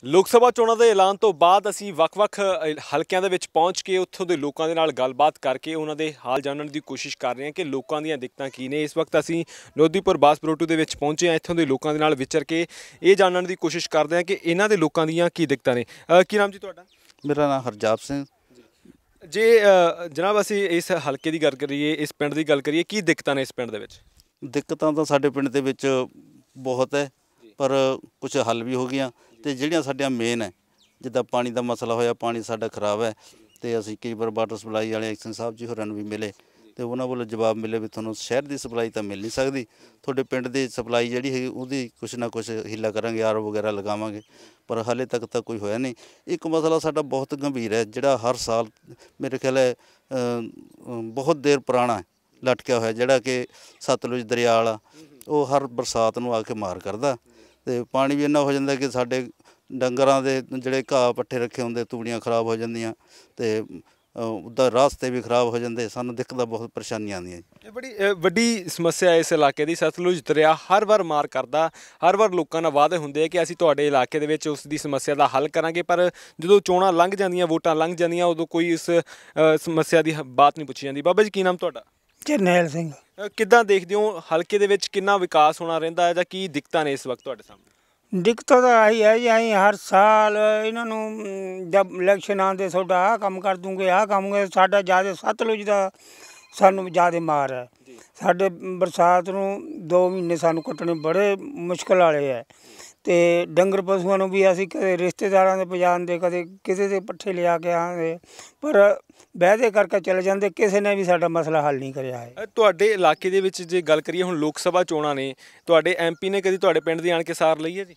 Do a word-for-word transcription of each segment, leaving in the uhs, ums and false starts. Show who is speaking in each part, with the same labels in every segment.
Speaker 1: ਲੋਕ ਸਭਾ ਚੋਣਾਂ ਦੇ ਐਲਾਨ ਤੋਂ ਬਾਅਦ ਅਸੀਂ ਵੱਖ-ਵੱਖ ਹਲਕਿਆਂ ਦੇ ਵਿੱਚ ਪਹੁੰਚ ਕੇ ਉੱਥੋਂ ਦੇ ਲੋਕਾਂ ਦੇ ਨਾਲ ਗੱਲਬਾਤ ਕਰਕੇ ਉਹਨਾਂ ਦੇ ਹਾਲ ਜਾਣਨ ਦੀ ਕੋਸ਼ਿਸ਼ ਕਰ ਰਹੇ ਹਾਂ ਕਿ ਲੋਕਾਂ ਦੀਆਂ ਦਿੱਕਤਾਂ ਕੀ ਨੇ। ਇਸ ਵਕਤ ਅਸੀਂ ਲੋਧੀਪੁਰ ਬਾਸਪਰੋਟੂ ਦੇ ਵਿੱਚ ਪਹੁੰਚੇ ਹਾਂ। ਇੱਥੋਂ ਦੇ ਲੋਕਾਂ ਦੇ ਨਾਲ ਵਿਚਰ ਕੇ ਇਹ ਜਾਣਨ ਦੀ ਕੋਸ਼ਿਸ਼ ਕਰਦੇ ਹਾਂ ਕਿ ਇਹਨਾਂ ਦੇ ਲੋਕਾਂ ਦੀਆਂ ਕੀ ਦਿੱਕਤਾਂ ਨੇ। ਕੀ ਨਾਮ ਜੀ ਤੁਹਾਡਾ?
Speaker 2: ਮੇਰਾ ਨਾਮ ਹਰਜਾਪ ਸਿੰਘ।
Speaker 1: ਜੇ ਜਨਾਬ ਅਸੀਂ ਇਸ ਹਲਕੇ ਦੀ ਗੱਲ ਕਰੀਏ, ਇਸ ਪਿੰਡ ਦੀ ਗੱਲ ਕਰੀਏ, ਕੀ ਦਿੱਕਤਾਂ ਨੇ ਇਸ ਪਿੰਡ ਦੇ ਵਿੱਚ?
Speaker 2: ਦਿੱਕਤਾਂ ਤਾਂ ਸਾਡੇ ਪਿੰਡ ਦੇ ਵਿੱਚ ਬਹੁਤ ਹੈ, ਪਰ ਕੁਝ ਹੱਲ ਵੀ ਹੋ ਗਈਆਂ ਤੇ ਜਿਹੜੀਆਂ ਸਾਡੀਆਂ ਮੇਨ ਹੈ, ਜਿੱਦਾਂ ਪਾਣੀ ਦਾ ਮਸਲਾ ਹੋਇਆ, ਪਾਣੀ ਸਾਡਾ ਖਰਾਬ ਹੈ ਤੇ ਅਸੀਂ ਕਈ ਵਾਰ ਵਾਟਰ ਸਪਲਾਈ ਵਾਲੇ ਐਕਸ਼ਨ ਸਾਹਿਬ ਜੀ ਹੋਰਾਂ ਨੂੰ ਵੀ ਮਿਲੇ ਤੇ ਉਹਨਾਂ ਵੱਲੋਂ ਜਵਾਬ ਮਿਲੇ ਵੀ ਤੁਹਾਨੂੰ ਸ਼ਹਿਰ ਦੀ ਸਪਲਾਈ ਤਾਂ ਮਿਲ ਨਹੀਂ ਸਕਦੀ, ਤੁਹਾਡੇ ਪਿੰਡ ਦੀ ਸਪਲਾਈ ਜਿਹੜੀ ਹੈਗੀ ਉਹਦੀ ਕੁਛ ਨਾ ਕੁਛ ਹੀਲਾ ਕਰਾਂਗੇ, ਆਰ ਓ ਵਗੈਰਾ ਲਗਾਵਾਂਗੇ, ਪਰ ਹਾਲੇ ਤੱਕ ਤਾਂ ਕੋਈ ਹੋਇਆ ਨਹੀਂ। ਇੱਕ ਮਸਲਾ ਸਾਡਾ ਬਹੁਤ ਗੰਭੀਰ ਹੈ, ਜਿਹੜਾ ਹਰ ਸਾਲ ਮੇਰੇ ਖਿਆਲ ਹੈ ਬਹੁਤ ਦੇਰ ਪੁਰਾਣਾ ਲਟਕਿਆ ਹੋਇਆ, ਜਿਹੜਾ ਕਿ ਸਤਲੁਜ ਦਰਿਆ ਵਾਲਾ, ਉਹ ਹਰ ਬਰਸਾਤ ਨੂੰ ਆ ਕੇ ਮਾਰ ਕਰਦਾ ਤੇ ਪਾਣੀ ਵੀ ਇੰਨਾ ਹੋ ਜਾਂਦਾ ਕਿ ਸਾਡੇ ਡੰਗਰਾਂ ਦੇ ਜਿਹੜੇ ਘਾਹ ਪੱਠੇ ਰੱਖੇ ਹੁੰਦੇ ਤੂੜੀਆਂ ਖਰਾਬ ਹੋ ਜਾਂਦੀਆਂ ਤੇ ਉਹਦਾ ਰਾਸਤੇ ਵੀ ਖਰਾਬ ਹੋ ਜਾਂਦੇ। ਸਾਨੂੰ ਦਿੱਕਤਾਂ ਬਹੁਤ ਪਰੇਸ਼ਾਨੀਆਂ ਆਉਂਦੀਆਂ ਜੀ।
Speaker 1: ਇਹ ਬੜੀ ਵੱਡੀ ਸਮੱਸਿਆ ਇਸ ਇਲਾਕੇ ਦੀ। ਸਤਲੁਜ ਦਰਿਆ ਹਰ ਵਾਰ ਮਾਰ ਕਰਦਾ, ਹਰ ਵਾਰ ਲੋਕਾਂ ਨਾਲ ਵਾਅਦੇ ਹੁੰਦੇ ਆ ਕਿ ਅਸੀਂ ਤੁਹਾਡੇ ਇਲਾਕੇ ਦੇ ਵਿੱਚ ਉਸ ਦੀ ਸਮੱਸਿਆ ਦਾ ਹੱਲ ਕਰਾਂਗੇ, ਪਰ ਜਦੋਂ ਚੋਣਾਂ ਲੰਘ ਜਾਂਦੀਆਂ, ਵੋਟਾਂ ਲੰਘ ਜਾਂਦੀਆਂ, ਉਦੋਂ ਕੋਈ ਇਸ ਸਮੱਸਿਆ ਦੀ ਬਾਤ ਨਹੀਂ ਪੁੱਛੀ ਜਾਂਦੀ। ਬਾਬਾ ਜੀ ਕੀ ਨਾਮ ਤੁਹਾਡਾ?
Speaker 3: ਜਰਨੈਲ ਸਿੰਘ।
Speaker 1: ਕਿੱਦਾਂ ਦੇਖਦੇ ਹੋ ਹਲਕੇ ਦੇ ਵਿੱਚ ਕਿੰਨਾ ਵਿਕਾਸ ਹੋਣਾ ਰਹਿੰਦਾ ਹੈ ਜਾਂ ਕੀ ਦਿੱਕਤਾਂ ਨੇ ਇਸ ਵਕਤ ਤੁਹਾਡੇ ਸਾਹਮਣੇ?
Speaker 3: ਦਿੱਕਤ ਤਾਂ ਆਹੀ ਹੈ ਜੀ, ਅਸੀਂ ਹਰ ਸਾਲ ਇਹਨਾਂ ਨੂੰ ਜਦ ਇਲੈਕਸ਼ਨ ਆਉਂਦੇ ਤੁਹਾਡਾ ਆਹ ਕੰਮ ਕਰ ਦੂੰਗੇ, ਆਹ ਕੰਮ ਸਾਡਾ ਜ਼ਿਆਦਾ ਸਤਲੁਜ ਦਾ ਸਾਨੂੰ ਜ਼ਿਆਦਾ ਮਾਰ ਹੈ। ਸਾਡੇ ਬਰਸਾਤ ਨੂੰ ਦੋ ਮਹੀਨੇ ਸਾਨੂੰ ਕੱਟਣੇ ਬੜੇ ਮੁਸ਼ਕਿਲ ਵਾਲੇ ਹੈ ਅਤੇ ਡੰਗਰ ਪਸ਼ੂਆਂ ਨੂੰ ਵੀ ਅਸੀਂ ਕਦੇ ਰਿਸ਼ਤੇਦਾਰਾਂ ਦੇ ਪਜਾਣਦੇ, ਕਦੇ ਕਿਸੇ ਦੇ ਪੱਠੇ ਲਿਆ ਕੇ ਆਉਂਦੇ, ਪਰ ਵਾਅਦੇ ਕਰਕੇ ਚਲੇ ਜਾਂਦੇ, ਕਿਸੇ ਨੇ ਵੀ ਸਾਡਾ ਮਸਲਾ ਹੱਲ ਨਹੀਂ ਕਰਿਆ ਹੈ।
Speaker 1: ਤੁਹਾਡੇ ਇਲਾਕੇ ਦੇ ਵਿੱਚ ਜੇ ਗੱਲ ਕਰੀਏ, ਹੁਣ ਲੋਕ ਸਭਾ ਚੋਣਾਂ ਨੇ, ਤੁਹਾਡੇ ਐਮ ਪੀ ਨੇ ਕਦੀ ਤੁਹਾਡੇ ਪਿੰਡ ਦੀ ਆਣ ਕੇ ਸਾਰ ਲਈ ਹੈ ਜੀ?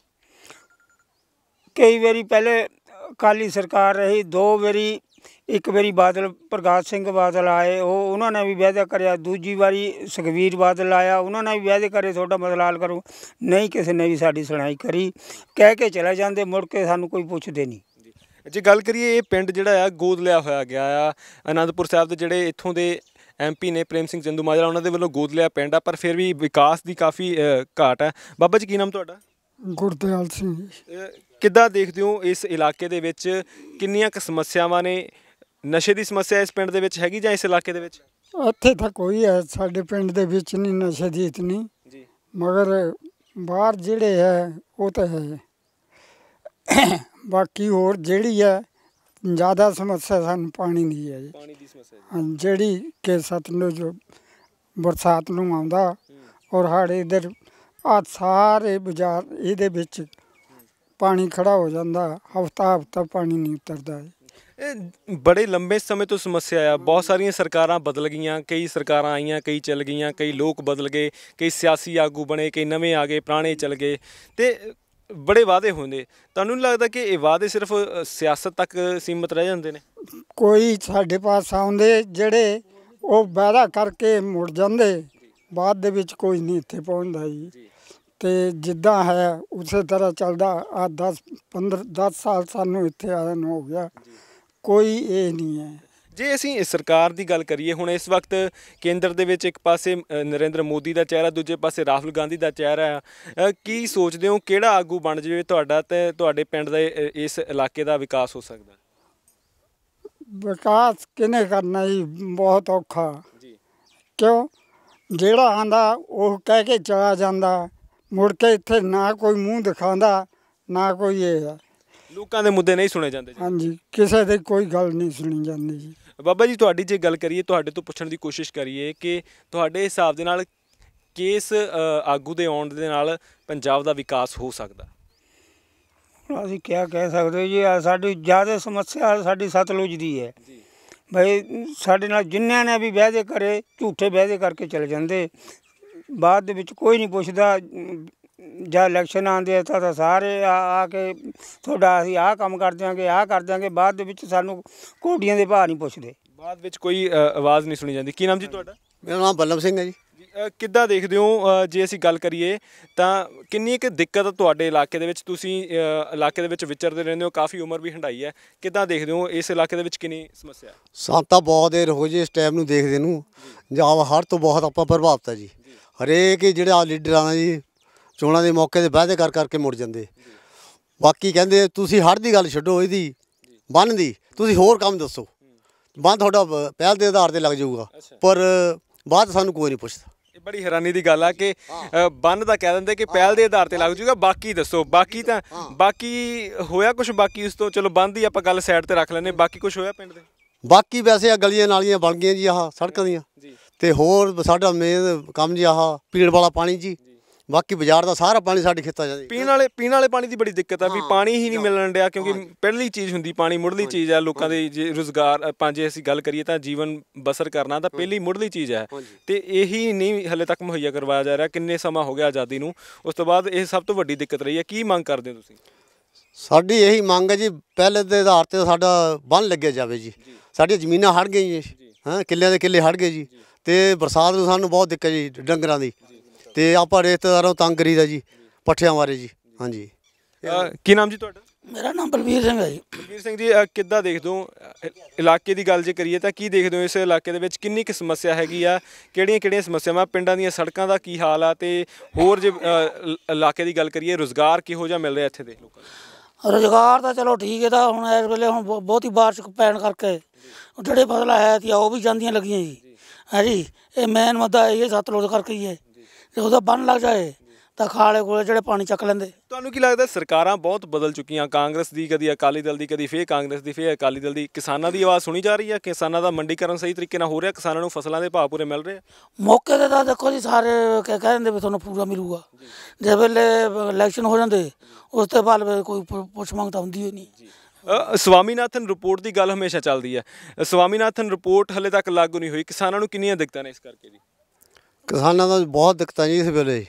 Speaker 3: ਕਈ ਵਾਰੀ ਪਹਿਲੇ ਅਕਾਲੀ ਸਰਕਾਰ ਰਹੀ, ਦੋ ਵਾਰੀ, ਇੱਕ ਵਾਰੀ ਬਾਦਲ ਪ੍ਰਕਾਸ਼ ਸਿੰਘ ਬਾਦਲ ਆਏ, ਉਹ ਉਹਨਾਂ ਨੇ ਵੀ ਵਾਅਦਾ ਕਰਿਆ, ਦੂਜੀ ਵਾਰੀ ਸੁਖਬੀਰ ਬਾਦਲ ਆਇਆ, ਉਹਨਾਂ ਨੇ ਵੀ ਵਾਅਦੇ ਕਰੇ ਤੁਹਾਡਾ ਮਸਲਾ ਹੱਲ ਕਰੋ, ਨਹੀਂ ਕਿਸੇ ਨੇ ਵੀ ਸਾਡੀ ਸੁਣਾਈ ਕਰੀ, ਕਹਿ ਕੇ ਚਲੇ ਜਾਂਦੇ, ਮੁੜ ਕੇ ਸਾਨੂੰ ਕੋਈ ਪੁੱਛਦੇ ਨਹੀਂ।
Speaker 1: ਜੇ ਗੱਲ ਕਰੀਏ, ਇਹ ਪਿੰਡ ਜਿਹੜਾ ਆ ਗੋਦ ਲਿਆ ਹੋਇਆ ਗਿਆ ਆ, ਅਨੰਦਪੁਰ ਸਾਹਿਬ ਦੇ ਜਿਹੜੇ ਇੱਥੋਂ ਦੇ ਐਮ ਪੀ ਨੇ ਪ੍ਰੇਮ ਸਿੰਘ ਚੰਦੂਮਾਜਰਾ, ਉਹਨਾਂ ਦੇ ਵੱਲੋਂ ਗੋਦ ਲਿਆ ਪਿੰਡ ਆ, ਪਰ ਫਿਰ ਵੀ ਵਿਕਾਸ ਦੀ ਕਾਫੀ ਘਾਟ ਹੈ। ਬਾਬਾ ਜੀ ਕੀ ਨਾਮ ਤੁਹਾਡਾ?
Speaker 4: ਗੁਰਦਿਆਲ ਸਿੰਘ।
Speaker 1: ਕਿੱਦਾਂ ਦੇਖਦੇ ਹੋ ਇਸ ਇਲਾਕੇ ਦੇ ਵਿੱਚ ਕਿੰਨੀਆਂ ਕੁ ਸਮੱਸਿਆਵਾਂ ਨੇ? ਨਸ਼ੇ ਦੀ ਸਮੱਸਿਆ ਇਸ ਪਿੰਡ ਦੇ ਵਿੱਚ ਹੈਗੀ ਜਾਂ ਇਸ ਇਲਾਕੇ ਦੇ ਵਿੱਚ?
Speaker 4: ਇੱਥੇ ਤਾਂ ਕੋਈ ਹੈ ਸਾਡੇ ਪਿੰਡ ਦੇ ਵਿੱਚ ਨਹੀਂ ਨਸ਼ੇ ਦੀ ਇਤਨੀ ਜੀ, ਮਗਰ ਬਾਹਰ ਜਿਹੜੇ ਹੈ ਉਹ ਤਾਂ ਹੈ। ਬਾਕੀ ਹੋਰ ਜਿਹੜੀ ਹੈ ਜ਼ਿਆਦਾ ਸਮੱਸਿਆ ਸਾਨੂੰ ਪਾਣੀ ਦੀ ਹੈ ਜੀ।
Speaker 1: ਪਾਣੀ ਦੀ ਸਮੱਸਿਆ
Speaker 4: ਹਾਂ, ਜਿਹੜੀ ਕਿ ਸਤਲੁਜ ਬਰਸਾਤ ਨੂੰ ਆਉਂਦਾ ਔਰ ਸਾਡੇ ਇੱਧਰ ਆ ਸਾਰੇ ਬਾਜ਼ਾਰ ਇਹਦੇ ਵਿੱਚ ਪਾਣੀ ਖੜਾ ਹੋ ਜਾਂਦਾ, ਹਫ਼ਤਾ ਹਫ਼ਤਾ ਪਾਣੀ ਨਹੀਂ ਉਤਰਦਾ।
Speaker 1: ਇਹ ਬੜੇ ਲੰਬੇ ਸਮੇਂ ਤੋਂ ਸਮੱਸਿਆ ਆ। ਬਹੁਤ ਸਾਰੀਆਂ ਸਰਕਾਰਾਂ ਬਦਲ ਗਈਆਂ, ਕਈ ਸਰਕਾਰਾਂ ਆਈਆਂ, ਕਈ ਚੱਲ ਗਈਆਂ, ਕਈ ਲੋਕ ਬਦਲ ਗਏ, ਕਈ ਸਿਆਸੀ ਆਗੂ ਬਣੇ, ਕਈ ਨਵੇਂ ਆ ਗਏ, ਪੁਰਾਣੇ ਚਲ ਗਏ ਤੇ ਬੜੇ ਵਾਅਦੇ ਹੁੰਦੇ। ਤੁਹਾਨੂੰ ਨਹੀਂ ਲੱਗਦਾ ਕਿ ਇਹ ਵਾਅਦੇ ਸਿਰਫ ਸਿਆਸਤ ਤੱਕ ਸੀਮਤ ਰਹਿ ਜਾਂਦੇ ਨੇ?
Speaker 4: ਕੋਈ ਸਾਡੇ ਪਾਸ ਆਉਂਦੇ ਜਿਹੜੇ ਉਹ ਵਾਅਦਾ ਕਰਕੇ ਮੁੜ ਜਾਂਦੇ, ਬਾਅਦ ਦੇ ਵਿੱਚ ਕੋਈ ਨਹੀਂ ਇੱਥੇ ਪਹੁੰਚਦਾ ਜੀ। ਅਤੇ ਜਿੱਦਾਂ ਹੈ ਉਸੇ ਤਰ੍ਹਾਂ ਚੱਲਦਾ ਆ। ਦਸ ਪੰਦਰਾਂ ਦਸ ਸਾਲ ਸਾਨੂੰ ਇੱਥੇ ਆਇਆ ਨੂੰ ਹੋ ਗਿਆ, ਕੋਈ ਇਹ ਨਹੀਂ ਹੈ।
Speaker 1: ਜੇ ਅਸੀਂ ਸਰਕਾਰ ਦੀ ਗੱਲ ਕਰੀਏ, ਹੁਣ ਇਸ ਵਕਤ ਕੇਂਦਰ ਦੇ ਵਿੱਚ ਇੱਕ ਪਾਸੇ ਨਰਿੰਦਰ ਮੋਦੀ ਦਾ ਚਿਹਰਾ, ਦੂਜੇ ਪਾਸੇ ਰਾਹੁਲ ਗਾਂਧੀ ਦਾ ਚਿਹਰਾ ਆ, ਕੀ ਸੋਚਦੇ ਹੋ ਕਿਹੜਾ ਆਗੂ ਬਣ ਜਾਵੇ ਤੁਹਾਡਾ ਅਤੇ ਤੁਹਾਡੇ ਪਿੰਡ ਦੇ ਇਸ ਇਲਾਕੇ ਦਾ ਵਿਕਾਸ ਹੋ ਸਕਦਾ?
Speaker 4: ਵਿਕਾਸ ਕਿਹਨੇ ਕਰਨਾ ਜੀ? ਬਹੁਤ ਔਖਾ ਜੀ। ਕਿਉਂ? ਜਿਹੜਾ ਆਉਂਦਾ ਉਹ ਕਹਿ ਕੇ ਚਲਾ ਜਾਂਦਾ, ਮੁੜ ਕੇ ਇੱਥੇ ਨਾ ਕੋਈ ਮੂੰਹ ਦਿਖਾਉਂਦਾ, ਨਾ ਕੋਈ ਇਹ ਹੈ।
Speaker 1: ਲੋਕਾਂ ਦੇ ਮੁੱਦੇ ਨਹੀਂ ਸੁਣੇ ਜਾਂਦੇ?
Speaker 4: ਹਾਂਜੀ, ਕਿਸੇ ਦੀ ਕੋਈ ਗੱਲ ਨਹੀਂ ਸੁਣੀ ਜਾਂਦੀ ਜੀ।
Speaker 1: ਬਾਬਾ ਜੀ ਤੁਹਾਡੀ ਜੇ ਗੱਲ ਕਰੀਏ, ਤੁਹਾਡੇ ਤੋਂ ਪੁੱਛਣ ਦੀ ਕੋਸ਼ਿਸ਼ ਕਰੀਏ ਕਿ ਤੁਹਾਡੇ ਹਿਸਾਬ ਦੇ ਨਾਲ ਕਿਸ ਆਗੂ ਦੇ ਆਉਣ ਦੇ ਨਾਲ ਪੰਜਾਬ ਦਾ ਵਿਕਾਸ ਹੋ ਸਕਦਾ?
Speaker 3: ਅਸੀਂ ਕਿਆ ਕਹਿ ਸਕਦੇ ਜੀ, ਸਾਡੀ ਜ਼ਿਆਦਾ ਸਮੱਸਿਆ ਸਾਡੀ ਸਤਲੁਜ ਦੀ ਹੈ। ਬਈ ਸਾਡੇ ਨਾਲ ਜਿੰਨਿਆਂ ਨੇ ਵੀ ਵਾਅਦੇ ਕਰੇ, ਝੂਠੇ ਵਾਅਦੇ ਕਰਕੇ ਚਲੇ ਜਾਂਦੇ, ਬਾਅਦ ਦੇ ਵਿੱਚ ਕੋਈ ਨਹੀਂ ਪੁੱਛਦਾ। ਜਾਂ ਇਲੈਕਸ਼ਨ ਆਉਂਦੇ ਆ ਤਾਂ ਸਾਰੇ ਆ ਆ ਕੇ ਤੁਹਾਡਾ ਅਸੀਂ ਆਹ ਕੰਮ ਕਰ ਦਿਆਂਗੇ, ਆਹ ਕਰ ਦਿਆਂਗੇ, ਬਾਅਦ ਦੇ ਵਿੱਚ ਸਾਨੂੰ ਕੋਡੀਆਂ ਦੇ ਭਾਅ ਨਹੀਂ ਪੁੱਛਦੇ,
Speaker 1: ਬਾਅਦ ਵਿੱਚ ਕੋਈ ਆਵਾਜ਼ ਨਹੀਂ ਸੁਣੀ ਜਾਂਦੀ। ਕੀ ਨਾਮ ਜੀ ਤੁਹਾਡਾ?
Speaker 5: ਮੇਰਾ ਨਾਮ ਬੱਲਭ ਸਿੰਘ ਹੈ ਜੀ।
Speaker 1: ਕਿੱਦਾਂ ਦੇਖਦੇ ਹੋ ਜੇ ਅਸੀਂ ਗੱਲ ਕਰੀਏ ਤਾਂ ਕਿੰਨੀ ਕੁ ਦਿੱਕਤ ਤੁਹਾਡੇ ਇਲਾਕੇ ਦੇ ਵਿੱਚ? ਤੁਸੀਂ ਇਲਾਕੇ ਦੇ ਵਿੱਚ ਵਿਚਰਦੇ ਰਹਿੰਦੇ ਹੋ, ਕਾਫੀ ਉਮਰ ਵੀ ਹੰਢਾਈ ਹੈ, ਕਿੱਦਾਂ ਦੇਖਦੇ ਹੋ ਇਸ ਇਲਾਕੇ ਦੇ ਵਿੱਚ ਕਿੰਨੀ ਸਮੱਸਿਆ?
Speaker 5: ਸਾਨੂੰ ਤਾਂ ਬਹੁਤ ਦੇਰ ਹੋ ਜੀ ਇਸ ਟਾਈਮ ਨੂੰ ਦੇਖਦੇ ਨੂੰ, ਜਾਂ ਹੜ੍ਹ ਤੋਂ ਬਹੁਤ ਆਪਾਂ ਪ੍ਰਭਾਵਿਤ ਹੈ ਜੀ। ਹਰੇਕ ਜਿਹੜੇ ਆ ਲੀਡਰਾਂ ਦਾ ਜੀ ਚੋਣਾਂ ਦੇ ਮੌਕੇ 'ਤੇ ਵਾਅਦੇ ਕਰ ਕਰਕੇ ਮੁੜ ਜਾਂਦੇ। ਬਾਕੀ ਕਹਿੰਦੇ ਤੁਸੀਂ ਹੜ੍ਹ ਦੀ ਗੱਲ ਛੱਡੋ, ਇਹਦੀ ਬੰਨ੍ਹ ਦੀ ਤੁਸੀਂ ਹੋਰ ਕੰਮ ਦੱਸੋ, ਬੰਨ੍ਹ ਤੁਹਾਡਾ ਪ- ਪਹਿਲ ਦੇ ਆਧਾਰ ਤੇ ਲੱਗ ਜਾਊਗਾ, ਪਰ ਬਾਅਦ ਸਾਨੂੰ ਕੋਈ ਨਹੀਂ ਪੁੱਛਦਾ।
Speaker 1: ਇਹ ਬੜੀ ਹੈਰਾਨੀ ਦੀ ਗੱਲ ਆ ਕਿ ਅ, ਬੰਨ ਦਾ ਕਹਿ ਦਿੰਦੇ ਕਿ ਪਹਿਲ ਦੇ ਆਧਾਰ ਤੇ ਲੱਗ ਜੂਗਾ, ਬਾਕੀ ਦੱਸੋ। ਬਾਕੀ ਤਾਂ ਬਾਕੀ ਹੋਇਆ ਕੁਝ, ਬਾਕੀ ਉਸ ਤੋਂ ਚਲੋ ਬੰਨ ਦੀ ਆਪਾਂ ਗੱਲ ਸਾਈਡ ਤੇ ਰੱਖ ਲੈਂਦੇ, ਬਾਕੀ ਕੁਝ ਹੋਇਆ ਪਿੰਡ ਦੇ?
Speaker 5: ਬਾਕੀ ਵੈਸੇ ਆ ਗਲੀਆਂ ਨਾਲੀਆਂ ਬਣ ਗਈਆਂ ਜੀ, ਆਹ ਸੜਕਾਂ ਦੀਆਂ, ਤੇ ਹੋਰ ਸਾਡਾ ਮੇਨ ਕੰਮ ਜੀ ਆਹ ਪੀਣ ਵਾਲਾ ਪਾਣੀ ਜੀ। ਬਾਕੀ ਬਾਜ਼ਾਰ ਦਾ ਸਾਰਾ ਪਾਣੀ ਸਾਡੇ ਖੇਤਾਂ ਜਾਂਦੇ।
Speaker 1: ਪੀਣ ਵਾਲੇ ਪੀਣ ਵਾਲੇ ਪਾਣੀ ਦੀ ਬੜੀ ਦਿੱਕਤ ਆ ਵੀ ਪਾਣੀ ਹੀ ਨਹੀਂ ਮਿਲਣ ਡਿਆ, ਕਿਉਂਕਿ ਪਹਿਲੀ ਚੀਜ਼ ਹੁੰਦੀ ਪਾਣੀ, ਮੁੱਢਲੀ ਚੀਜ਼ ਆ ਲੋਕਾਂ ਦੇ। ਜੇ ਰੁਜ਼ਗਾਰ ਆਪਾਂ ਜੇ ਅਸੀਂ ਗੱਲ ਕਰੀਏ ਤਾਂ ਜੀਵਨ ਬਸਰ ਕਰਨਾ ਤਾਂ ਪਹਿਲੀ ਮੁੱਢਲੀ ਚੀਜ਼ ਹੈ, ਤੇ ਇਹੀ ਨਹੀਂ ਹਲੇ ਤੱਕ ਮੁਹੱਈਆ ਕਰਵਾਇਆ ਜਾ ਰਿਹਾ। ਕਿੰਨੇ ਸਮਾਂ ਹੋ ਗਿਆ ਆਜ਼ਾਦੀ ਨੂੰ, ਉਸ ਤੋਂ ਬਾਅਦ ਇਹ ਸਭ ਤੋਂ ਵੱਡੀ ਦਿੱਕਤ ਰਹੀ ਹੈ। ਕੀ ਮੰਗ ਕਰਦੇ ਹੋ ਤੁਸੀਂ?
Speaker 5: ਸਾਡੀ ਇਹੀ ਮੰਗ ਹੈ ਜੀ, ਪਹਿਲੇ ਦੇ ਆਧਾਰ ਤੇ ਸਾਡਾ ਬੰਨ੍ਹ ਲੱਗਿਆ ਜਾਵੇ ਜੀ। ਸਾਡੀਆਂ ਜ਼ਮੀਨਾਂ ਹੜ੍ਹ ਗਈਆਂ ਹਾਂ, ਕਿੱਲਿਆਂ ਦੇ ਕਿੱਲੇ ਹੜ੍ਹ ਗਏ ਜੀ, ਤੇ ਬਰਸਾਤ ਨੂੰ ਸਾਨੂੰ ਬਹੁਤ ਦਿੱਕਤ ਜੀ ਡੰਗਰਾਂ ਦੀ, ਤੇ ਆਪਾਂ ਰਿਸ਼ਤੇਦਾਰਾਂ ਨੂੰ ਤੰਗ ਕਰੀਦਾ ਜੀ ਪੱਠਿਆਂ ਬਾਰੇ ਜੀ। ਹਾਂਜੀ।
Speaker 1: ਅ, ਕੀ ਨਾਮ ਜੀ ਤੁਹਾਡਾ?
Speaker 6: ਮੇਰਾ ਨਾਮ ਬਲਵੀਰ ਸਿੰਘ ਹੈ ਜੀ।
Speaker 1: ਬਲਵੀਰ ਸਿੰਘ ਜੀ, ਅ, ਕਿੱਦਾਂ ਦੇਖਦੇ ਹੋ ਅ, ਇਲਾਕੇ ਦੀ ਗੱਲ ਜੇ ਕਰੀਏ ਤਾਂ ਕੀ ਦੇਖਦੇ ਹੋ ਇਸ ਇਲਾਕੇ ਦੇ ਵਿੱਚ ਕਿੰਨੀ ਕੁ ਸਮੱਸਿਆ ਹੈਗੀ ਆ? ਕਿਹੜੀਆਂ ਕਿਹੜੀਆਂ ਸਮੱਸਿਆਵਾਂ? ਪਿੰਡਾਂ ਦੀਆਂ ਸੜਕਾਂ ਦਾ ਕੀ ਹਾਲ ਆ, ਤੇ ਹੋਰ ਜੇ ਅ, ਇ- ਇਲਾਕੇ ਦੀ ਗੱਲ ਕਰੀਏ, ਰੁਜ਼ਗਾਰ ਕਿਹੋ ਜਿਹਾ ਮਿਲ ਰਿਹਾ ਇੱਥੇ ਦੇ ਲੋਕਾਂ ਨੂੰ?
Speaker 6: ਰੁਜ਼ਗਾਰ ਤਾਂ ਚਲੋ ਠੀਕ ਹੈ, ਤਾਂ ਹੁਣ ਇਸ ਵੇਲੇ ਹੁਣ ਬਹੁ- ਬਹੁਤੀ ਬਾਰਿਸ਼ ਪੈਣ ਕਰਕੇ ਜਿਹੜੇ ਫਸਲਾਂ ਹੈ ਤੀਆਂ ਉਹ ਵੀ ਜਾਂਦੀਆਂ ਲੱਗੀਆਂ ਜੀ। ਹੈ ਜੀ, ਇਹ ਮੇਨ ਮੁੱਦਾ ਇਹ ਸਤਲੁਜ ਕਰਕੇ ਹੀ ਹੈ। ਜੇ ਉਹਦਾ ਬੰਨ ਲੱਗ ਜਾਏ ਤਾਂ ਖਾਲੇ ਕੋਲੇ ਜਿਹੜੇ ਪਾਣੀ ਚੱਕ ਲੈਂਦੇ।
Speaker 1: ਤੁਹਾਨੂੰ ਕੀ ਲੱਗਦਾ ਸਰਕਾਰਾਂ ਬਹੁਤ ਬਦਲ ਚੁੱਕੀਆਂ, ਕਾਂਗਰਸ ਦੀ, ਕਦੀ ਅਕਾਲੀ ਦਲ ਦੀ, ਕਦੀ ਫੇਰ ਕਾਂਗਰਸ ਦੀ, ਫੇਰ ਅਕਾਲੀ ਦਲ ਦੀ। ਕਿਸਾਨਾਂ ਦੀ ਆਵਾਜ਼ ਸੁਣੀ ਜਾ ਰਹੀ ਹੈ? ਕਿਸਾਨਾਂ ਦਾ ਮੰਡੀਕਰਨ ਸਹੀ ਤਰੀਕੇ ਨਾਲ ਹੋ ਰਿਹਾ? ਕਿਸਾਨਾਂ ਨੂੰ ਫਸਲਾਂ ਦੇ ਭਾਅ ਪੂਰੇ ਮਿਲ ਰਹੇ ਆ?
Speaker 6: ਮੌਕੇ 'ਤੇ ਤਾਂ ਦੇਖੋ ਜੀ ਸਾਰੇ ਕਹਿ ਕਹਿ ਦਿੰਦੇ ਵੀ ਤੁਹਾਨੂੰ ਪੂਰਾ ਮਿਲੂਗਾ। ਜਿਸ ਵੇਲੇ ਇਲੈਕਸ਼ਨ ਹੋ ਜਾਂਦੇ ਉਸ ਤੋਂ ਬਾਅਦ ਫਿਰ ਕੋਈ ਪੁ- ਪੁੱਛ ਮੰਗ ਤਾਂ ਹੁੰਦੀ ਹੀ ਨਹੀਂ।
Speaker 1: ਅ, ਸਵਾਮੀਨਾਥਨ ਰਿਪੋਰਟ ਦੀ ਗੱਲ ਹਮੇਸ਼ਾ ਚੱਲਦੀ ਹੈ। ਸਵਾਮੀਨਾਥਨ ਰਿਪੋਰਟ ਹਲੇ ਤੱਕ ਲਾਗੂ ਨਹੀਂ ਹੋਈ। ਕਿਸਾਨਾਂ ਨੂੰ ਕਿੰਨੀਆਂ ਦਿੱਕਤਾਂ ਨੇ ਇਸ ਕਰਕੇ ਜੀ?
Speaker 5: ਕਿਸਾਨਾਂ ਦਾ ਬਹੁਤ ਦਿੱਕਤਾਂ ਜੀ ਇਸ ਵੇਲੇ,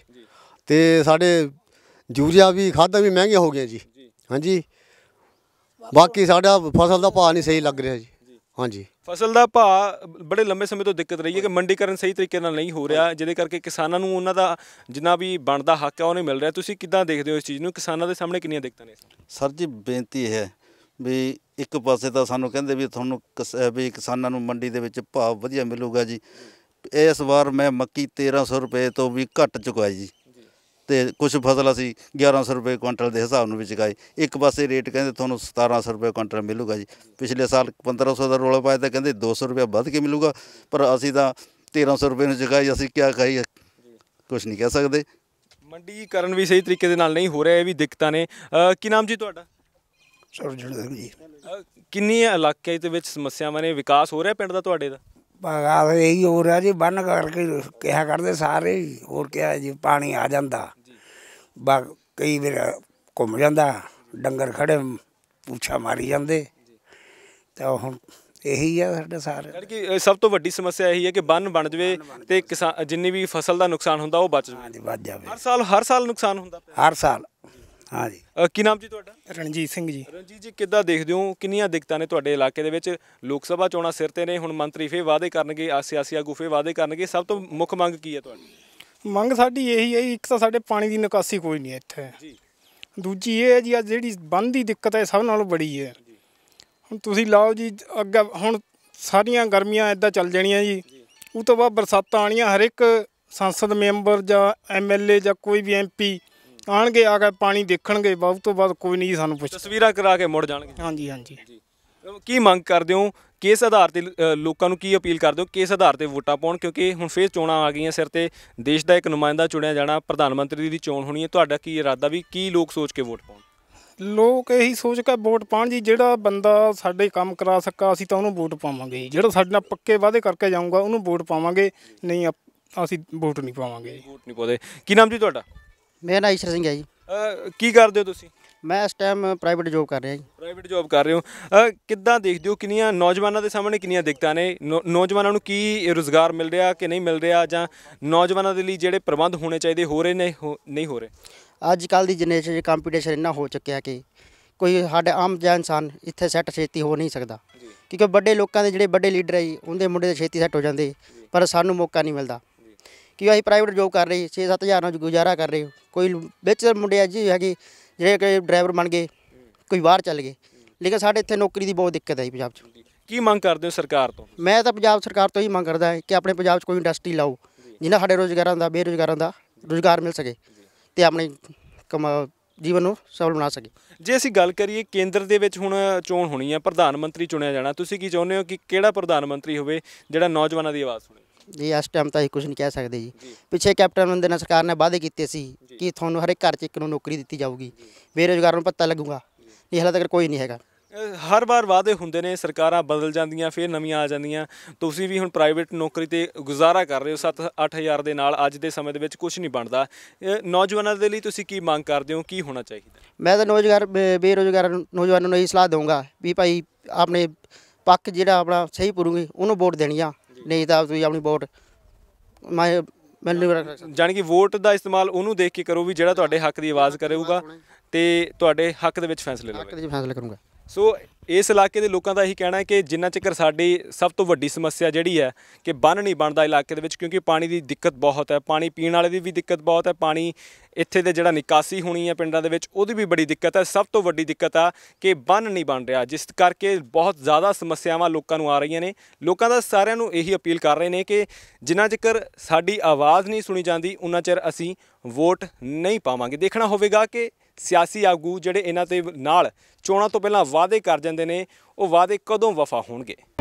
Speaker 5: ਤੇ ਸਾਡੇ ਯੂਰੀਆ ਵੀ ਖਾਦਾਂ ਵੀ ਮਹਿੰਗੀਆਂ ਹੋ ਗਈਆਂ ਜੀ। ਹਾਂਜੀ। ਬਾਕੀ ਸਾਡਾ ਫਸਲ ਦਾ ਭਾਅ ਨਹੀਂ ਸਹੀ ਲੱਗ ਰਿਹਾ ਜੀ। ਹਾਂਜੀ।
Speaker 1: ਫਸਲ ਦਾ ਭਾਅ ਬੜੇ ਲੰਬੇ ਸਮੇਂ ਤੋਂ ਦਿੱਕਤ ਰਹੀ ਹੈ ਕਿ ਮੰਡੀਕਰਨ ਸਹੀ ਤਰੀਕੇ ਨਾਲ ਨਹੀਂ ਹੋ ਰਿਹਾ, ਜਿਹਦੇ ਕਰਕੇ ਕਿਸਾਨਾਂ ਨੂੰ ਉਹਨਾਂ ਦਾ ਜਿੰਨਾ ਵੀ ਬਣਦਾ ਹੱਕ ਹੈ ਉਹ ਨਹੀਂ ਮਿਲ ਰਿਹਾ। ਤੁਸੀਂ ਕਿੱਦਾਂ ਦੇਖਦੇ ਹੋ ਇਸ ਚੀਜ਼ ਨੂੰ? ਕਿਸਾਨਾਂ ਦੇ ਸਾਹਮਣੇ ਕਿੰਨੀਆਂ ਦਿੱਕਤਾਂ ਨੇ?
Speaker 2: ਸਰ ਜੀ ਬੇਨਤੀ ਇਹ ਹੈ ਵੀ ਇੱਕ ਪਾਸੇ ਤਾਂ ਸਾਨੂੰ ਕਹਿੰਦੇ ਵੀ ਤੁਹਾਨੂੰ ਕਿਸ- ਵੀ ਕਿਸਾਨਾਂ ਨੂੰ ਮੰਡੀ ਦੇ ਵਿੱਚ ਭਾਅ ਵਧੀਆ ਮਿਲੂਗਾ ਜੀ। ਇਸ ਵਾਰ ਮੈਂ ਮੱਕੀ ਤੇਰ੍ਹਾਂ ਸੌ ਰੁਪਏ ਤੋਂ ਵੀ ਘੱਟ ਚੁਕਾਈ ਜੀ, ਤੇ ਕੁਝ ਫਸਲ ਅਸੀਂ ਗਿਆਰਾਂ ਸੌ ਰੁਪਏ ਕੁਇੰਟਲ ਦੇ ਹਿਸਾਬ ਨਾਲ ਵੀ ਚੁਕਾਈ। ਇੱਕ ਪਾਸੇ ਰੇਟ ਕਹਿੰਦੇ ਤੁਹਾਨੂੰ ਸਤਾਰਾਂ ਸੌ ਰੁਪਏ ਕੁਇੰਟਲ ਮਿਲੂਗਾ ਜੀ। ਪਿਛਲੇ ਸਾਲ ਪੰਦਰਾਂ ਸੌ ਦਾ ਰੌਲਾ ਪਾਇਆ ਤਾਂ ਕਹਿੰਦੇ ਦੋ ਸੌ ਰੁਪਏ ਵੱਧ ਕੇ ਮਿਲੂਗਾ, ਪਰ ਅਸੀਂ ਤਾਂ ਤੇਰ੍ਹਾਂ ਸੌ ਰੁਪਏ ਨੂੰ ਚੁਕਾਈ। ਅਸੀਂ ਕਿਆ ਕਹੀਏ, ਕੁਝ ਨਹੀਂ ਕਹਿ ਸਕਦੇ।
Speaker 1: ਮੰਡੀਕਰਨ ਵੀ ਸਹੀ ਤਰੀਕੇ ਦੇ ਨਾਲ ਨਹੀਂ ਹੋ ਰਿਹਾ, ਇਹ ਵੀ ਦਿੱਕਤਾਂ ਨੇ। ਅ, ਕੀ ਨਾਮ ਜੀ ਤੁਹਾਡਾ?
Speaker 3: ਸੁਰਜਣ ਸਿੰਘ ਜੀ।
Speaker 1: ਅ, ਕਿੰਨੀਆਂ ਇਲਾਕੇ ਦੇ ਵਿੱਚ ਸਮੱਸਿਆਵਾਂ ਨੇ? ਵਿਕਾਸ ਹੋ ਰਿਹਾ ਪਿੰਡ ਦਾ ਤੁਹਾਡੇ ਦਾ?
Speaker 3: ਬਗਾ ਇਹੀ ਹੋ ਰਿਹਾ ਜੀ, ਬੰਨ ਕਰਕੇ ਕਿਹਾ ਕਰਦੇ ਸਾਰੇ ਹੀ। ਹੋਰ ਕਿਹਾ ਜੀ, ਪਾਣੀ ਆ ਜਾਂਦਾ ਬਾ ਕਈ ਵਾਰ ਘੁੰਮ ਜਾਂਦਾ, ਡੰਗਰ ਖੜੇ ਪੁੱਛਾ ਮਾਰੀ ਜਾਂਦੇ, ਤਾਂ ਹੁਣ ਇਹੀ ਆ ਸਾਡੇ ਸਾਰੇ।
Speaker 1: ਯਾਨੀ ਕਿ ਅ, ਸਭ ਤੋਂ ਵੱਡੀ ਸਮੱਸਿਆ ਇਹੀ ਹੈ ਕਿ ਬੰਨ ਬਣ ਜਾਵੇ ਤੇ ਕਿਸਾਨ ਜਿੰਨੀ ਵੀ ਫਸਲ ਦਾ ਨੁਕਸਾਨ ਹੁੰਦਾ ਉਹ ਬਚ ਜਾਵੇ।
Speaker 3: ਹਾਂਜੀ ਵੱਧ ਜਾਵੇ
Speaker 1: ਹਰ ਸਾਲ ਹਰ ਸਾਲ ਨੁਕਸਾਨ ਹੁੰਦਾ ਪਿਆ।
Speaker 3: ਹਰ ਸਾਲ। ਹਾਂਜੀ।
Speaker 1: ਅ, ਕੀ ਨਾਮ ਜੀ ਤੁਹਾਡਾ?
Speaker 7: ਰਣਜੀਤ ਸਿੰਘ ਜੀ।
Speaker 1: ਰਣਜੀਤ ਜੀ, ਕਿੱਦਾਂ ਦੇਖਦੇ ਹੋ ਕਿੰਨੀਆਂ ਦਿੱਕਤਾਂ ਨੇ ਤੁਹਾਡੇ ਇਲਾਕੇ ਦੇ ਵਿੱਚ? ਲੋਕ ਸਭਾ ਚੋਣਾਂ ਸਿਰ ਤੇ ਨੇ, ਹੁਣ ਮੰਤਰੀ ਫੇਰ ਵਾਅਦੇ ਕਰਨਗੇ, ਆ ਸਿਆਸੀ ਆਗੂ ਫੇਰ ਵਾਅਦੇ ਕਰਨਗੇ। ਸਭ ਤੋਂ ਮੁੱਖ ਮੰਗ ਕੀ ਹੈ ਤੁਹਾਡੀ?
Speaker 7: ਮੰਗ ਸਾਡੀ ਇਹੀ ਹੈ ਜੀ, ਇੱਕ ਤਾਂ ਸਾਡੇ ਪਾਣੀ ਦੀ ਨਿਕਾਸੀ ਕੋਈ ਨਹੀਂ ਇੱਥੇ
Speaker 1: ਜੀ।
Speaker 7: ਦੂਜੀ ਇਹ ਹੈ ਜੀ, ਆ ਜਿਹੜੀ ਬੰਨ੍ਹ ਦੀ ਦਿੱਕਤ ਹੈ ਸਭ ਨਾਲੋਂ ਬੜੀ ਹੈ। ਹੁਣ ਤੁਸੀਂ ਲਾਓ ਜੀ ਅੱਗੇ, ਹੁਣ ਸਾਰੀਆਂ ਗਰਮੀਆਂ ਇੱਦਾਂ ਚੱਲ ਜਾਣੀਆਂ ਜੀ, ਉਹ ਤੋਂ ਬਾਅਦ ਬਰਸਾਤਾਂ ਆਉਣੀਆਂ। ਹਰ ਇੱਕ ਸੰਸਦ ਮੈਂਬਰ ਜਾਂ ਐਮ ਐਲ ਏ ਜਾਂ ਕੋਈ ਵੀ ਐਮ ਪੀ ਆਉਣਗੇ, ਆ ਕੇ ਪਾਣੀ ਦੇਖਣਗੇ, ਬਾਅਦ ਤੋਂ ਬਾਅਦ ਕੋਈ ਨਹੀਂ ਸਾਨੂੰ ਪੁੱਛਦਾ।
Speaker 1: ਤਸਵੀਰਾਂ ਕਰਾ ਕੇ ਮੁੜ ਜਾਣਗੇ।
Speaker 7: ਹਾਂਜੀ ਹਾਂਜੀ।
Speaker 1: ਕੀ ਮੰਗ ਕਰਦੇ ਹੋ? ਕਿਸ ਆਧਾਰ ਤੇ ਅ, ਲੋਕਾਂ ਨੂੰ ਕੀ ਅਪੀਲ ਕਰਦੇ ਹੋ ਕਿਸ ਆਧਾਰ ਤੇ ਵੋਟਾਂ ਪਾਉਣ? ਕਿਉਂਕਿ ਹੁਣ ਫੇਰ ਚੋਣਾਂ ਆ ਗਈਆਂ ਸਿਰ ਤੇ, ਦੇਸ਼ ਦਾ ਇੱਕ ਨੁਮਾਇੰਦਾ ਚੁਣਿਆ ਜਾਣਾ, ਪ੍ਰਧਾਨ ਮੰਤਰੀ ਦੀ ਚੋਣ ਹੋਣੀ ਹੈ। ਤੁਹਾਡਾ ਕੀ ਇਰਾਦਾ ਵੀ ਕੀ ਲੋਕ ਸੋਚ ਕੇ ਵੋਟ ਪਾਉਣ?
Speaker 7: ਲੋਕ ਇਹੀ ਸੋਚ ਕੇ ਵੋਟ ਪਾਉਣ ਜੀ, ਜਿਹੜਾ ਬੰਦਾ ਸਾਡੇ ਕੰਮ ਕਰਾ ਸਕਾ ਅਸੀਂ ਤਾਂ ਉਹਨੂੰ ਵੋਟ ਪਾਵਾਂਗੇ ਜੀ। ਜਿਹੜਾ ਸਾਡੇ ਨਾਲ ਪੱਕੇ ਵਾਅਦੇ ਕਰਕੇ ਜਾਊਗਾ ਉਹਨੂੰ ਵੋਟ ਪਾਵਾਂਗੇ, ਨਹੀਂ ਆਪ- ਅਸੀਂ ਵੋਟ ਨਹੀਂ ਪਾਵਾਂਗੇ ਜੀ।
Speaker 1: ਵੋਟ ਨਹੀਂ ਪਾਉਂਦੇ। ਕੀ ਨਾਮ ਜੀ ਤੁਹਾਡਾ?
Speaker 8: ਮੇਰਾ ਨਾਮ ਈਸ਼ਰ ਸਿੰਘ ਹੈ ਜੀ।
Speaker 1: ਅ, ਕੀ ਕਰਦੇ ਹੋ ਤੁਸੀਂ?
Speaker 8: ਮੈਂ ਇਸ ਟਾਈਮ ਪ੍ਰਾਈਵੇਟ ਜੋਬ ਕਰ ਰਿਹਾ ਜੀ।
Speaker 1: ਪ੍ਰਾਈਵੇਟ ਜੌਬ ਕਰ ਰਹੇ ਹੋ। ਅ, ਕਿੱਦਾਂ ਦੇਖਦੇ ਹੋ ਕਿੰਨੀਆਂ ਨੌਜਵਾਨਾਂ ਦੇ ਸਾਹਮਣੇ ਕਿੰਨੀਆਂ ਦਿੱਕਤਾਂ ਨੇ? ਨੌ- ਨੌਜਵਾਨਾਂ ਨੂੰ ਕੀ ਰੁਜ਼ਗਾਰ ਮਿਲ ਰਿਹਾ ਕਿ ਨਹੀਂ ਮਿਲ ਰਿਹਾ, ਜਾਂ ਨੌਜਵਾਨਾਂ ਦੇ ਲਈ ਜਿਹੜੇ ਪ੍ਰਬੰਧ ਹੋਣੇ ਚਾਹੀਦੇ ਹੋ ਰਹੇ ਨੇ ਹੋ ਨਹੀਂ ਹੋ ਰਹੇ?
Speaker 8: ਅੱਜ ਕੱਲ੍ਹ ਦੀ ਜਨਰੇਸ਼ਨ 'ਚ ਕੰਪੀਟੀਸ਼ਨ ਇੰਨਾ ਹੋ ਚੁੱਕਿਆ ਕਿ ਕੋਈ ਸਾਡੇ ਆਮ ਜਿਹਾ ਇਨਸਾਨ ਇੱਥੇ ਸੈੱਟ ਛੇਤੀ ਹੋ ਨਹੀਂ ਸਕਦਾ, ਕਿਉਂਕਿ ਵੱਡੇ ਲੋਕਾਂ ਦੇ ਜਿਹੜੇ ਵੱਡੇ ਲੀਡਰ ਹੈ ਜੀ ਉਹਦੇ ਮੁੰਡੇ ਦੇ ਛੇਤੀ ਸੈੱਟ ਹੋ ਜਾਂਦੇ, ਪਰ ਸਾਨੂੰ ਮੌਕਾ ਨਹੀਂ ਮਿਲਦਾ। ਕਿ ਅਸੀਂ ਪ੍ਰਾਈਵੇਟ ਜੋਬ ਕਰ ਰਹੇ ਛੇ ਸੱਤ ਹਜ਼ਾਰ ਨਾਲ ਗੁਜ਼ਾਰਾ ਕਰ ਰਹੇ। ਕੋਈ ਵਿੱਚ ਮੁੰਡੇ ਆ ਜੀ ਹੈਗੇ ਜਿਹੜੇ ਕਿ ਡਰਾਈਵਰ ਬਣ ਗਏ, ਕੋਈ ਬਾਹਰ ਚੱਲ ਗਏ, ਲੇਕਿਨ ਸਾਡੇ ਇੱਥੇ ਨੌਕਰੀ ਦੀ ਬਹੁਤ ਦਿੱਕਤ ਹੈ ਜੀ ਪੰਜਾਬ 'ਚ।
Speaker 1: ਕੀ ਮੰਗ ਕਰਦੇ ਹੋ ਸਰਕਾਰ ਤੋਂ?
Speaker 8: ਮੈਂ ਤਾਂ ਪੰਜਾਬ ਸਰਕਾਰ ਤੋਂ ਹੀ ਮੰਗ ਕਰਦਾ ਹੈ ਕਿ ਆਪਣੇ ਪੰਜਾਬ 'ਚ ਕੋਈ ਇੰਡਸਟਰੀ ਲਾਓ ਜਿਨ੍ਹਾਂ ਸਾਡੇ ਰੁਜ਼ਗਾਰਾਂ ਦਾ ਬੇਰੁਜ਼ਗਾਰਾਂ ਦਾ ਰੁਜ਼ਗਾਰ ਮਿਲ ਸਕੇ, ਅਤੇ ਆਪਣੇ ਕਮਾ ਜੀਵਨ ਨੂੰ ਸਫਲ ਬਣਾ ਸਕੇ।
Speaker 1: ਜੇ ਅਸੀਂ ਗੱਲ ਕਰੀਏ ਕੇਂਦਰ ਦੇ ਵਿੱਚ ਹੁਣ ਚੋਣ ਹੋਣੀ ਹੈ, ਪ੍ਰਧਾਨ ਮੰਤਰੀ ਚੁਣਿਆ ਜਾਣਾ, ਤੁਸੀਂ ਕੀ ਚਾਹੁੰਦੇ ਹੋ ਕਿ ਕਿਹੜਾ ਪ੍ਰਧਾਨ ਮੰਤਰੀ ਹੋਵੇ ਜਿਹੜਾ ਨੌਜਵਾਨਾਂ ਦੀ ਆਵਾਜ਼ ਸੁਣੇ?
Speaker 8: ਜੀ ਇਸ ਟਾਈਮ ਤਾਂ ਅਸੀਂ ਕੁਝ ਨਹੀਂ ਕਹਿ ਸਕਦੇ ਜੀ। ਪਿੱਛੇ ਕੈਪਟਨ ਅਮਰਿੰਦਰ ਨਾਥ ਸਰਕਾਰ ਨੇ ਵਾਅਦੇ ਕੀਤੇ ਸੀ ਕਿ ਤੁਹਾਨੂੰ ਹਰ ਇੱਕ ਘਰ 'ਚ ਇੱਕ ਨੂੰ ਨੌਕਰੀ ਦਿੱਤੀ ਜਾਊਗੀ, ਬੇਰੁਜ਼ਗਾਰ ਨੂੰ ਭੱਤਾ ਲੱਗੂਗਾ, ਇਹ ਹਾਲੇ ਤੱਕ ਕੋਈ ਨਹੀਂ ਹੈਗਾ।
Speaker 1: ਹਰ ਵਾਰ ਵਾਅਦੇ ਹੁੰਦੇ ਨੇ, ਸਰਕਾਰਾਂ ਬਦਲ ਜਾਂਦੀਆਂ, ਫਿਰ ਨਵੀਆਂ ਆ ਜਾਂਦੀਆਂ। ਤੁਸੀਂ ਵੀ ਹੁਣ ਪ੍ਰਾਈਵੇਟ ਨੌਕਰੀ ਤੇ ਗੁਜ਼ਾਰਾ ਕਰ ਰਹੇ ਹੋ ਸੱਤ ਅੱਠ ਹਜ਼ਾਰ ਦੇ ਨਾਲ, ਅੱਜ ਦੇ ਸਮੇਂ ਦੇ ਵਿੱਚ ਕੁਝ ਨਹੀਂ ਬਣਦਾ। ਨੌਜਵਾਨਾਂ ਦੇ ਲਈ ਤੁਸੀਂ ਕੀ ਮੰਗ ਕਰਦੇ ਹੋ, ਕੀ ਹੋਣਾ ਚਾਹੀਦਾ?
Speaker 8: ਮੈਂ ਤਾਂ ਨੌਜਵਾਨ ਬੇਰੁਜ਼ਗਾਰ ਨੌਜਵਾਨਾਂ ਨੂੰ ਇਹੀ ਸਲਾਹ ਦਊਂਗਾ ਵੀ ਭਾਈ ਆਪਣੇ ਪੱਖ ਜਿਹੜਾ ਆਪਣਾ ਸਹੀ ਪੂਰੂਗੇ ਉਹਨੂੰ ਵੋਟ ਦੇਣੀ ਆ, ਨਹੀਂ ਤਾਂ ਤੁਸੀਂ ਆਪਣੀ ਵੋਟ ਮੈਂ ਮੈਨੂੰ
Speaker 1: ਜਾਣੀ ਕਿ ਵੋਟ ਦਾ ਇਸਤੇਮਾਲ ਉਹਨੂੰ ਦੇਖ ਕੇ ਕਰੋ ਵੀ ਜਿਹੜਾ ਤੁਹਾਡੇ ਹੱਕ ਦੀ ਆਵਾਜ਼ ਕਰੇਗਾ ਤੇ ਤੁਹਾਡੇ ਹੱਕ ਦੇ ਵਿੱਚ ਫੈਸਲੇ ਲਵੇ।
Speaker 8: ਫੈਸਲਾ ਕਰੂੰਗਾ।
Speaker 1: ਸੋ ਇਸ ਇਲਾਕੇ ਦੇ ਲੋਕਾਂ ਦਾ ਇਹੀ ਕਹਿਣਾ ਹੈ ਕਿ ਜਿੰਨਾ ਚਿਰ ਸਾਡੀ ਸਭ ਤੋਂ ਵੱਡੀ ਸਮੱਸਿਆ ਜਿਹੜੀ ਹੈ ਕਿ ਬੰਨ੍ਹ ਨਹੀਂ ਬਣਦਾ ਇਲਾਕੇ ਦੇ ਵਿੱਚ, ਕਿਉਂਕਿ ਪਾਣੀ ਦੀ ਦਿੱਕਤ ਬਹੁਤ ਹੈ, ਪਾਣੀ ਪੀਣ ਵਾਲੇ ਦੀ ਵੀ ਦਿੱਕਤ ਬਹੁਤ ਹੈ, ਪਾਣੀ ਇੱਥੇ ਦੇ ਜਿਹੜਾ ਨਿਕਾਸੀ ਹੋਣੀ ਹੈ ਪਿੰਡਾਂ ਦੇ ਵਿੱਚ ਉਹਦੀ ਵੀ ਬੜੀ ਦਿੱਕਤ ਹੈ। ਸਭ ਤੋਂ ਵੱਡੀ ਦਿੱਕਤ ਆ ਕਿ ਬੰਨ੍ਹ ਨਹੀਂ ਬਣ ਰਿਹਾ, ਜਿਸ ਕਰਕੇ ਬਹੁਤ ਜ਼ਿਆਦਾ ਸਮੱਸਿਆਵਾਂ ਲੋਕਾਂ ਨੂੰ ਆ ਰਹੀਆਂ ਨੇ। ਲੋਕਾਂ ਦਾ ਸਾਰਿਆਂ ਨੂੰ ਇਹੀ ਅਪੀਲ ਕਰ ਰਹੇ ਨੇ ਕਿ ਜਿੰਨਾ ਚਿਰ ਸਾਡੀ ਆਵਾਜ਼ ਨਹੀਂ ਸੁਣੀ ਜਾਂਦੀ ਉਨਾ ਚਿਰ ਅਸੀਂ ਵੋਟ ਨਹੀਂ ਪਾਵਾਂਗੇ। ਦੇਖਣਾ ਹੋਵੇਗਾ ਕਿ ਸਿਆਸੀ ਆਗੂ ਜਿਹੜੇ ਇਹਨਾਂ ਦੇ ਨਾਲ ਚੋਣਾਂ ਤੋਂ ਪਹਿਲਾਂ ਵਾਅਦੇ ਕਰ ਜਾਂਦੇ ਨੇ ਉਹ ਵਾਅਦੇ ਕਦੋਂ ਵਫਾ ਹੋਣਗੇ।